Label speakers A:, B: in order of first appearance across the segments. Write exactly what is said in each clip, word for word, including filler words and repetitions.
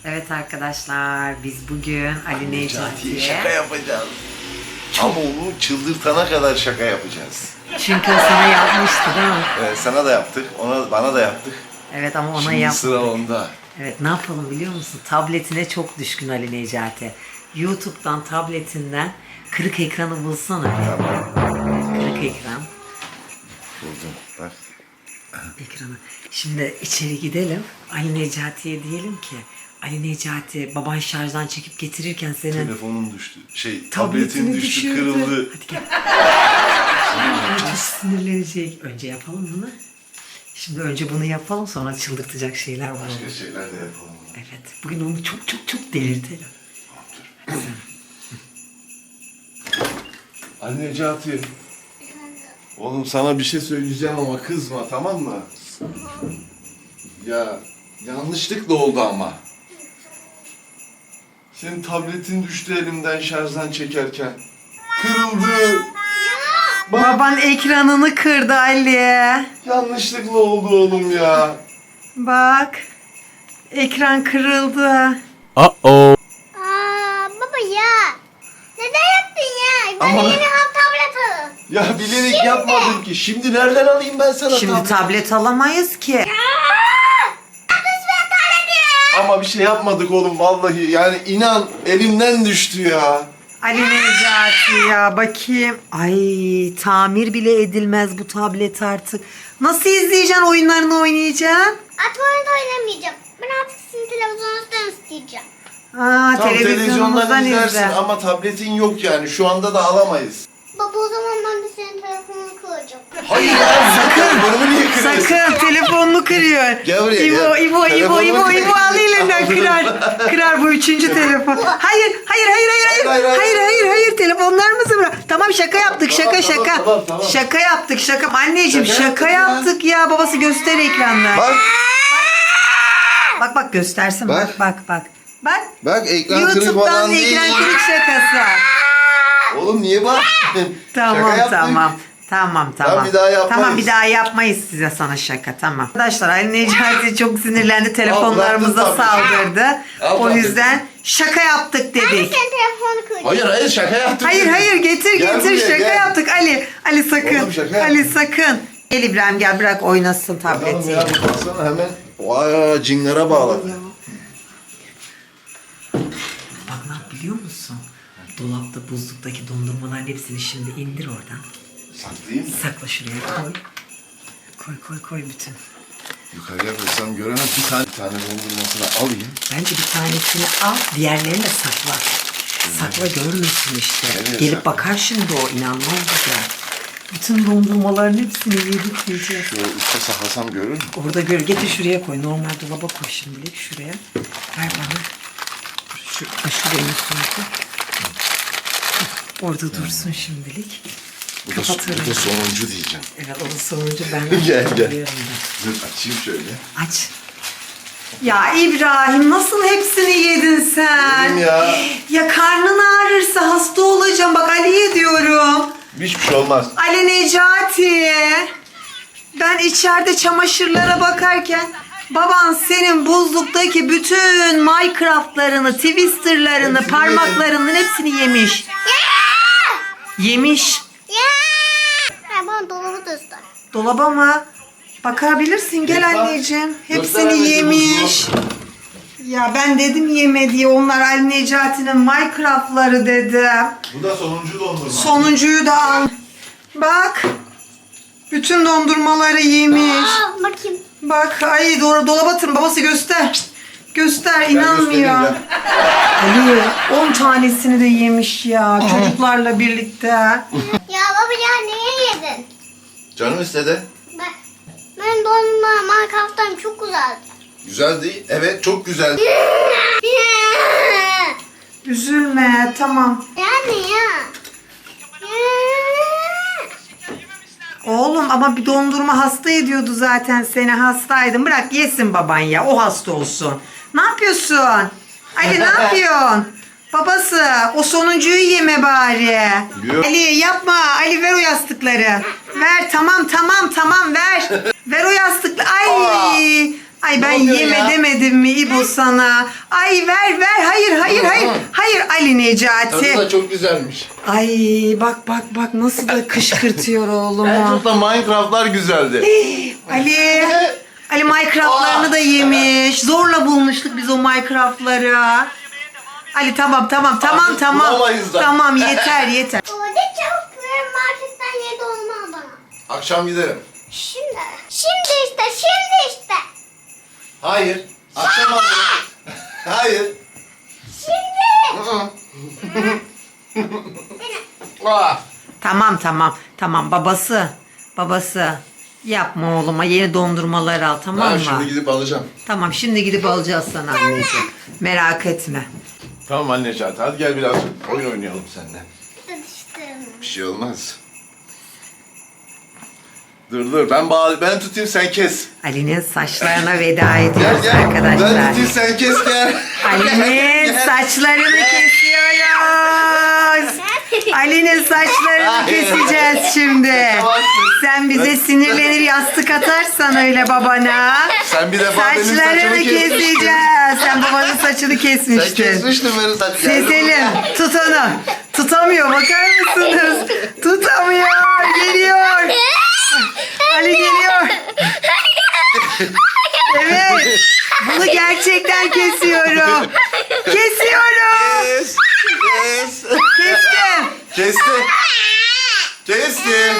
A: Evet arkadaşlar, biz bugün Ali Necati'ye
B: şaka yapacağız. Ama onu çıldırtana kadar şaka yapacağız.
A: çünkü o sana yapmıştı değil mi?
B: Evet, sana da yaptık, ona bana da yaptık.
A: Evet ama ona
B: Şimdi
A: yaptık.
B: sıra onda.
A: Evet, ne yapalım biliyor musun? Tabletine çok düşkün Ali Necati. YouTube'dan, tabletinden kırık ekranı bulsana bir. Kırık ekran.
B: Buldum, bak.
A: Ekranı. Şimdi içeri gidelim. Ali Necati'ye diyelim ki Ali Necati, baban şarjdan çekip getirirken senin
B: Telefonun düştü, şey,
A: tabletin
B: tabletin düştü,
A: düşürdü.
B: kırıldı.
A: Hadi gel. Çok sinirlenecek. Önce yapalım bunu. Şimdi önce bunu yapalım, sonra çıldırtacak şeyler var.
B: Başka şeyler de yapalım.
A: Evet. Bugün onu çok çok çok delirtelim.
B: Ali Necati. Oğlum sana bir şey söyleyeceğim ama kızma, tamam mı? Ya yanlışlıkla oldu ama. Senin tabletin düştü elimden şarjdan çekerken. Kırıldı. Bak,
A: Baban ekranını kırdı Ali.
B: yanlışlıkla oldu oğlum ya.
A: Bak. Ekran kırıldı.
C: Uh oh.
D: Aa, baba ya. Neden yaptın ya? Bana
B: Ama-
D: yeni ham tablet alın.
B: Ya bilerek yapmadım ki. Şimdi nereden alayım ben sana
A: Şimdi
B: tablet?
A: tablet alamayız ki.
B: Ama bir şey yapmadık oğlum vallahi. Yani inan elimden düştü ya.
A: Ali Necati ya, bakayım. Ay, tamir bile edilmez bu tablet artık. Nasıl izleyeceksin, oyunlarını oynayacaksın?
D: Artık oyunda oynamayacağım. Ben artık sizin televizyonunuzdan isteyeceğim.
A: Aa,
B: Tam televizyondan
A: televizyonumuzdan
B: izlersin
A: izle.
B: ama tabletin yok yani. Şu anda da alamayız.
D: Baba o zaman ben de senin telefonunu kıracağım.
B: Hayır ya sakın. Bunu niye kırıyorsun?
A: Sakın, telefonunu kırıyor.
B: Gel buraya,
A: İbo,
B: gel.
A: İbo, İbo,
B: Telefonunu
A: İbo,
B: kır.
A: İbo, al elinden kırar. Kırar bu üçüncü telefon. Hayır, hayır, hayır, hayır, hayır,
B: Hayır, hayır,
A: hayır, hayır, hayır, telefonlarımızı bırak. Tamam, şaka yaptık,
B: Tamam,
A: şaka,
B: tamam,
A: şaka.
B: tamam, tamam.
A: Şaka yaptık, şaka. Anneciğim,
B: Şaka
A: şaka,
B: yaptık
A: yaptık ya. Babası göster ekranla.
B: Bak,
A: Bak, bak, göstersin. Bak,
B: Bak.
A: bak, bak. Bak.
B: bak ekran kırık
A: YouTube'dan
B: falan değil.
A: ekran kırık şakası.
B: Oğlum niye bak?
A: Tamam,
B: Şaka yaptık.
A: tamam. Tamam, tamam.
B: bir daha yapmayız.
A: Tamam, bir daha yapmayız size sana şaka, tamam. Arkadaşlar, Ali Necati çok sinirlendi,
B: Al,
A: telefonlarımıza
B: bıraktın tabii.
A: saldırdı.
B: Al,
A: O
B: tabii.
A: yüzden şaka yaptık
D: Ben de
A: dedik.
D: senin telefonunu kıracağım.
B: Hayır hayır şaka yaptık.
A: Hayır,
B: dedik.
A: hayır, getir,
B: Gel
A: getir,
B: buraya,
A: şaka
B: gel.
A: yaptık Ali. Ali sakın,
B: Oğlum, şaka
A: Ali
B: yaptık.
A: sakın. Gel İbrahim, gel bırak oynasın
B: Bakalım
A: tabletiyle.
B: ya baksana hemen. Vay cingara bağladı.
A: Bak ne yap biliyor musun? Dolapta, buzluktaki dondurmaların hepsini şimdi indir oradan.
B: Saklayayım mı?
A: Sakla şuraya, koy. Koy, koy, koy bütün.
B: Yukarıya koysam göremez. Bir tane, bir tane dondurmasını alayım.
A: Bence bir tanesini al, diğerlerini de sakla. Sakla, görmüyorsun işte.
B: Evet,
A: Gelip
B: sakla.
A: bakar şimdi o, inanmaz güzel. Bütün dondurmaların hepsini yedik yiyeceğiz.
B: Şöyle üstte saklasam görür mü?
A: Orada gör, getir şuraya koy. Normal dolaba koy şimdilik şuraya. Ver bana. Şu, şuraya üstüne koy. Orada dursun şimdilik.
B: Bu da,
A: Kapatırım.
B: bu da sonuncu diyeceğim.
A: Evet, o da sonuncu ben.
B: Gel, gel.
A: biliyorum
B: Dur açayım şöyle.
A: ben. Aç. Ya İbrahim, nasıl hepsini yedin sen?
B: Yedim ya.
A: Ya karnın ağrırsa hasta olacağım. Bak Ali'ye diyorum.
B: Hiçbir şey olmaz.
A: Ali Necati. Ben içeride çamaşırlara bakarken baban senin buzluktaki bütün Minecraft'larını, Twister'larını,
B: Hepsini
A: parmaklarının hepsini yemiş. Yemiş.
D: Ya. Ha, bana dolabı göster.
A: Dolaba mı? Bakabilirsin, gel
B: Bak,
A: anneciğim. Hepsini
B: gösteremezsin
A: yemiş. Ya ben dedim yeme diye, onlar Ali Necati'nin Minecraft'ları dedim.
B: Bu da sonuncu dondurma.
A: Sonuncuyu da al. Bak. Bütün dondurmaları yemiş.
D: Aa, bakayım.
A: Bak, ay doğru, dolaba atın, babası göster. Göster,
B: Gel
A: inanmıyor.
B: göstereyim,
A: Ali on tanesini de yemiş ya çocuklarla birlikte.
D: Ya baba ya niye yedin?
B: Canım istedi.
D: Ben, benim dondurma Minecraft'tan çok güzeldi.
B: Güzel değil. Evet çok güzel.
A: Üzülme, tamam.
D: Yani ya.
A: Oğlum ama bir dondurma hasta ediyordu zaten seni, hastaydın. Bırak yesin baban ya, o hasta olsun. Ne yapıyorsun? Ali ne yapıyorsun? Babası, o sonuncuyu yeme bari.
B: Yok.
A: Ali yapma, Ali ver o yastıkları. Ver, tamam tamam tamam ver. Ver o yastıkları. Ay Ay
B: Ne
A: ben
B: oluyor
A: yeme
B: ya?
A: demedim mi İbo sana? Ay ver ver hayır hayır hayır. Hayır Ali Necati.
B: Tadı da çok güzelmiş.
A: Ay bak bak bak nasıl da kışkırtıyor
B: En
A: oğlumu.
B: çok da Minecraft'lar güzeldi.
A: Ali. Ali Minecraft'larını da yemiş. Zorla bulmuştuk biz o Minecraft'ları. Ali tamam tamam tamam
B: Artık
A: tamam.
B: bulamayız da.
A: Tamam yeter yeter.
D: Baba de çabuk ver marketten yedi olma bana.
B: Akşam giderim.
D: Şimdi. Şimdi işte şimdi işte.
B: Hayır. Akşam alırım. Hayır.
D: Şimdi.
B: Aa.
A: Tamam tamam tamam babası. Babası. Yapma oğluma yeni dondurmalar al tamam
B: Ben
A: mı?
B: şimdi gidip alacağım.
A: Tamam şimdi gidip alacağız sana anneciğim. Merak etme.
B: Tamam anne Necati, hadi gel birazcık oyun oynayalım seninle.
D: Tutuştum.
B: Bir şey olmaz. Dur dur ben bağ ben tutayım sen kes.
A: Ali'nin saçlarına veda
B: Gel
A: ediyoruz
B: gel. Ben
A: arkadaşlar.
B: tutayım sen kes gel.
A: Ali'nin
B: Gel.
A: saçlarını kesiyoruz. Ali'nin saçlarını
B: Hayır.
A: keseceğiz şimdi.
B: Kaçamazsın.
A: Sen bize sinirlenir yastık atarsan öyle babana.
B: Sen bir defa benim saçımı
A: Saçlarını
B: kesmiştin.
A: keseceğiz. Sen babanın saçını
B: Sen
A: kesmiştin.
B: kesmiştin benim saçımı. Gel
A: Seselim
B: buraya.
A: tut onu. Tutamıyor bakar mısınız? Tutamıyor. Geliyor. Ali geliyor. Evet. Bunu gerçekten kesiyorum. Kesiyorum.
B: Kes. Kes.
A: Kestim.
B: Kestim. Kestim.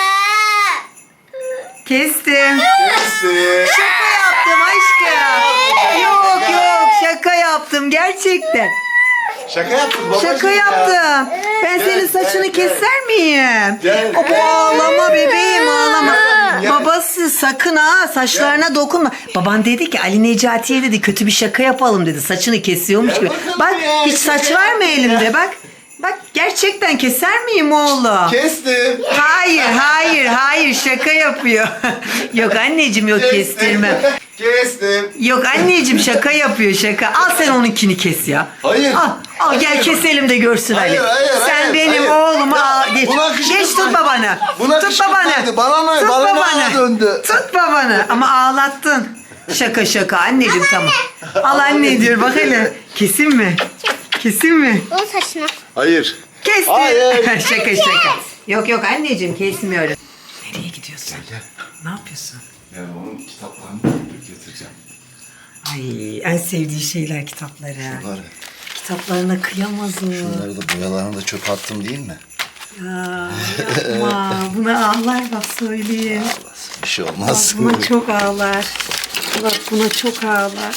A: Kestim.
B: Kestim.
A: Şaka yaptım aşkım. Yok yok şaka yaptım gerçekten.
B: Şaka yaptın babacığım
A: Şaka
B: ya.
A: yaptım. Ben
B: Gel,
A: senin saçını
B: gel, gel.
A: keser miyim?
B: Gel,
A: O bu
B: gel,
A: ağlama
B: gel.
A: bebeğim ağlama.
B: Gel.
A: Babası sakın ha saçlarına dokunma. Baban dedi ki Ali Necati'ye dedi kötü bir şaka yapalım dedi. Saçını kesiyormuş
B: Gel
A: gibi.
B: bakalım
A: Bak
B: ya,
A: hiç
B: şaka
A: saç var mı
B: yaptım
A: elimde
B: ya.
A: bak. Bak gerçekten keser miyim oğlum?
B: Kestim.
A: Hayır hayır hayır şaka yapıyor. Yok anneciğim yok kestirme.
B: Kestim.
A: Yok anneciğim şaka yapıyor şaka. Al sen onunkini kes ya.
B: Hayır.
A: Al, al gel
B: Hayır.
A: keselim de görsün
B: Hayır,
A: Ali.
B: hayır,
A: sen
B: hayır,
A: benim
B: hayır.
A: oğlumu
B: Ya,
A: al geç.
B: buna kışkırtma.
A: Geç tut babanı.
B: Buna
A: tut babanı.
B: kışkırtmaydı. Bana ne?
A: Tut
B: Bana ne
A: babanı.
B: döndü?
A: Tut babanı. Ama ağlattın. Şaka şaka anneciğim tamam. Al anne diyor bak hele. Kesin mi? Kesin mi?
D: O saçına.
B: Hayır.
A: Kestim.
B: Hayır.
A: şaka şaka. Yok yok anneciğim kesmiyorum. Nereye gidiyorsun?
B: Gel.
A: Ne yapıyorsun?
B: Yani onun kitaplarını getireceğim.
A: Ay en sevdiği şeyler kitapları.
B: Bunları.
A: Kitaplarına kıyamazım.
B: Bunları da boyalarını da çöpe attım değil mi?
A: Ya, yapma. Buna ağlar bak söyleyeyim.
B: Bir şey
A: Bak
B: olmaz.
A: buna çok ağlar. Bak buna çok ağlar.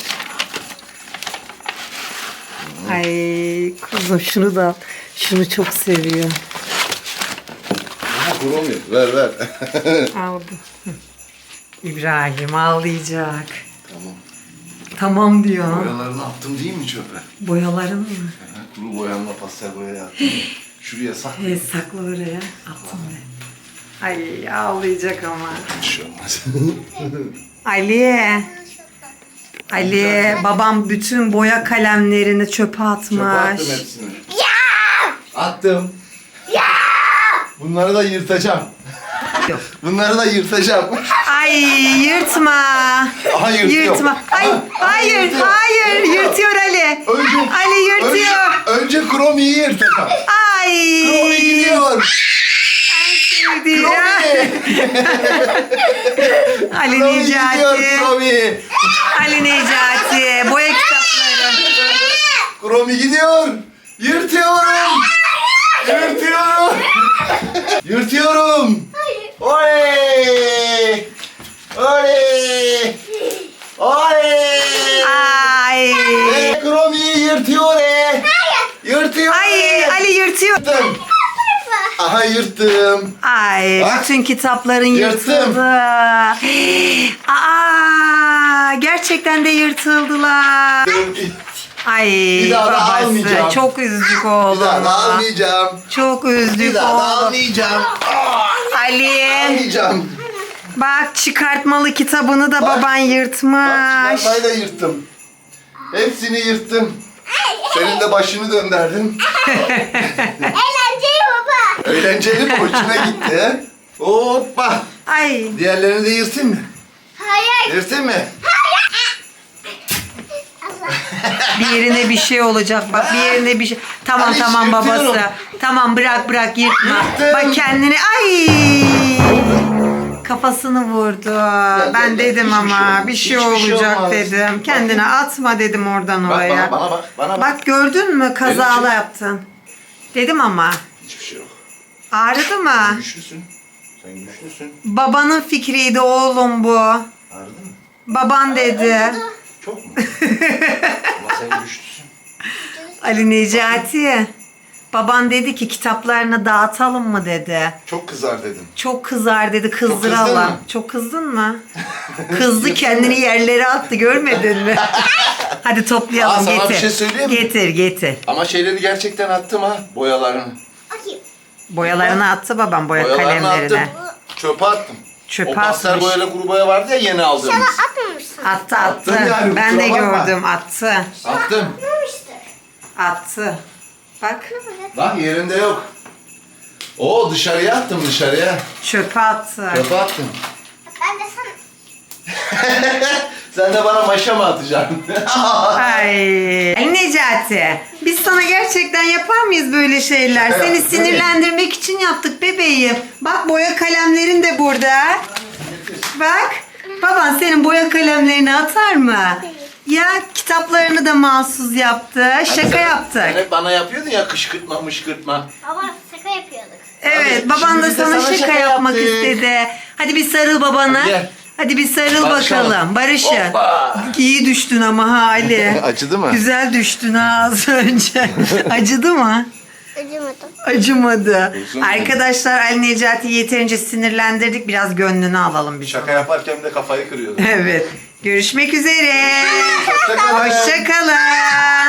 A: Ay kuzum şunu da al. Şunu çok seviyor.
B: Kromi ver ver.
A: Aldı. Hı. İbrahim ağlayacak.
B: Tamam.
A: Tamam diyor.
B: Boyalarını attım değil mi çöpe?
A: Boyaların mı?
B: Kuru boyanla pastel boyaya attım. Şuraya sak.
A: Evet sakla oraya. Attım ben. Ay ağlayacak ama.
B: Bir şey olmaz.
A: Ali. Ali babam bütün boya kalemlerini çöpe atmış.
B: Çöpe attım hepsini. Attım. Bunları da yırtacağım.
A: Yok.
B: Bunları da yırtacağım.
A: Ay yırtma.
B: Aha yırtıyor.
A: Yırtma. Ay
B: Aha,
A: hayır
B: yırtıyor.
A: hayır yırtıyor Ali.
B: Önce,
A: Ali yırtıyor.
B: Önce, önce Kromi'yi yırtacağım.
A: Ay.
B: Kromi gidiyor.
A: Sevdiğim.
B: Kromi.
A: Ali
B: Kromi gidiyor
A: Necati.
B: Kromi.
A: Ali Necati. Boya kitapları.
B: Kromi gidiyor. Yırtıyorum. Yırtıyorum. Yırtıyorum. Oley. Oley. Oley.
A: Ay.
B: Ve Kromi'yi yırtıyor. e. Yırtıyor.
A: Ay Ali yırtıyor.
B: Yırttım. Aha yırttım.
A: Ay
B: Bak.
A: bütün kitapların
B: Yırttım.
A: yırtıldı. Aa gerçekten de yırtıldılar. Ay
B: Bir daha da
A: babası
B: almayacağım.
A: çok üzdük
B: Bir
A: oğlum.
B: daha da almayacağım.
A: Çok
B: Bir
A: üzdük
B: daha da
A: oğlum.
B: almayacağım.
A: Ali
B: Almayacağım.
A: bak çıkartmalı kitabını da
B: Bak.
A: baban
B: Bak
A: yırtmış.
B: çıkartmayı da yırttım. Hepsini yırttım. Senin de başını döndürdüm.
D: Eğlenceli baba.
B: Eğlenceli mi? Hoşuna gitti. Hoppa.
A: Ay
B: Diğerlerini de yırtayım mı?
D: Hayır.
B: Yırtayım mı?
D: Hayır.
A: Bir yerine bir şey olacak bak, bir yerine bir şey. Tamam
B: Hadi
A: tamam babası.
B: yırtıyorum.
A: Tamam bırak bırak yırtma.
B: Yırttım.
A: Bak kendini ay. Kafasını vurdu. Ben
B: gel,
A: dedim
B: hiçbir
A: ama
B: şey olmaz.
A: bir şey
B: Hiçbir şey
A: olacak
B: olmaz.
A: dedim. Kendine atma dedim oradan
B: Bak
A: oraya.
B: bana bana bak. Bana bak.
A: Bak gördün mü kazalı
B: Benim için-
A: yaptın. Dedim ama.
B: Hiçbir şey yok.
A: Ağrıdı mı?
B: Güçlüsün. Sen güçlüsün.
A: Babanın fikriydi oğlum bu.
B: Ağrıdı mı?
A: Baban dedi.
B: Çok mu? Ama sen güçlüsün.
A: Ali Necati. Baban dedi ki kitaplarını dağıtalım mı dedi.
B: Çok kızar dedim.
A: Çok kızar dedi,
B: kızdın
A: kızdıralım.
B: mı?
A: Çok kızdın mı? Kızdı kendini yerlere attı görmedin mi? Hadi toplayalım
B: Aa, sana
A: getir.
B: bir şey söyleyeyim mi?
A: Getir getir.
B: Ama şeyleri gerçekten attım ha. Boyalarını.
D: Bakayım.
A: Boyalarını attı babam boya
B: Boyalarını
A: kalemlerini.
B: attım. Çöpe attım.
A: Çöpe
B: o pastel
A: atmış.
B: boyayla kuru boya vardı ya yeni aldığımız.
D: Sana atmamışsın.
A: Attı attı.
B: Attım yani,
A: Ben de
B: kusura bakma.
A: gördüm attı.
B: Attım.
D: Atmamıştır.
A: Attı. Bak
B: Bak yerinde yok. Oo dışarıya attım dışarıya.
A: çöpe attı.
B: Çöpe attım.
D: Ben de sana.
B: Sen de bana maşa mı atacaksın?
A: Ay. Ali Necati. Biz sana gerçekten yapar mıyız böyle şeyler?
B: Şaka
A: Seni
B: yaptık,
A: sinirlendirmek için yaptık bebeğim. Bak boya kalemlerin de burada. Bak. Baban senin boya kalemlerini atar mı? Ya kitaplarını da mahsus yaptı. Şaka
B: Sen-
A: yaptık.
B: Sen hep bana yapıyordun ya kışkırtma mışkırtma.
D: Baba şaka yapıyorduk.
A: Evet,
B: Hadi,
A: baban
B: şimdi
A: da
B: biz de
A: sana,
B: sana
A: şaka,
B: şaka
A: yapmak
B: yaptık.
A: istedi. Hadi bir sarıl babana.
B: Hadi gel.
A: Hadi bir sarıl
B: Barışalım.
A: bakalım. Barışın.
B: Hoppa.
A: İyi düştün ama ha Ali.
B: Acıdı mı?
A: Güzel düştün ha az önce. Acıdı mı?
D: Acımadım.
A: Acımadı.
B: Uzun
A: Arkadaşlar Ali Necati'yi yeterince sinirlendirdik. Biraz gönlünü alalım biz.
B: Şaka yaparken de kafayı kırıyordun.
A: Evet. Görüşmek üzere.
B: Hoşçakalın.
A: Hoşçakalın.